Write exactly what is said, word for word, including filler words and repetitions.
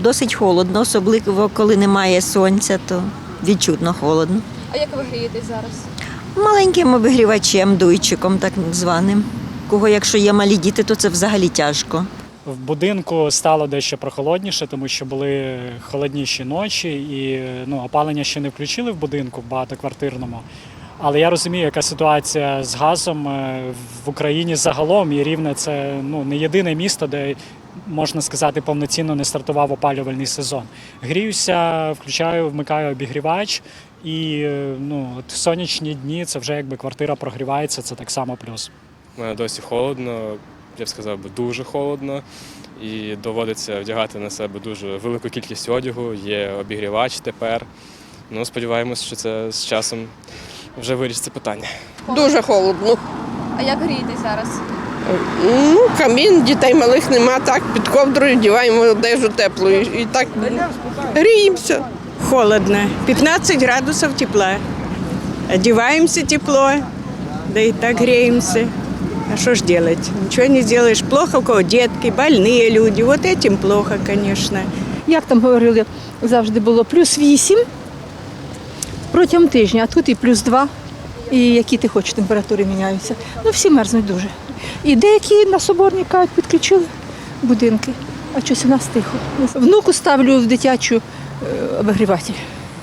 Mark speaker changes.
Speaker 1: досить холодно, особливо коли немає сонця, то відчутно холодно.
Speaker 2: А як ви грієтесь зараз?
Speaker 1: Маленьким обігрівачем, дуйчиком так званим. Кого, якщо є малі діти, то це взагалі тяжко.
Speaker 3: В будинку стало дещо прохолодніше, тому що були холодніші ночі і ну, опалення ще не включили в будинку в багатоквартирному. Але я розумію, яка ситуація з газом в Україні загалом, і Рівне – це ну, не єдине місто, де, можна сказати, повноцінно не стартував опалювальний сезон. Гріюся, включаю, вмикаю обігрівач, і ну, от сонячні дні – це вже якби квартира прогрівається, це так само плюс.
Speaker 4: У мене досі холодно, я б сказав, дуже холодно, і доводиться вдягати на себе дуже велику кількість одягу, є обігрівач тепер. Ну, сподіваємось, що це з часом вже вирішиться питання.
Speaker 5: Дуже холодно.
Speaker 2: А як грієтесь зараз?
Speaker 5: Ну, камін, дітей малих нема, так під ковдрою вдіваємо одежу теплу і так гріємося.
Speaker 6: Холодно, пятнадцать градусов тепла. Одеваемся тепло, да и так греемся. А что ж делать? Ничего не сделаешь. Плохо, у кого детки, больные люди. Вот этим плохо, конечно.
Speaker 7: Як там говорили, завжди було плюс вісім протягом тижня, а тут і плюс два, і які ти хочеш температури міняються. Ну всі мерзнуть дуже. І деякі на Соборній кажуть, підключили будинки, а щось у нас тихо. Внуку ставлю в дитячу е, обігріватель.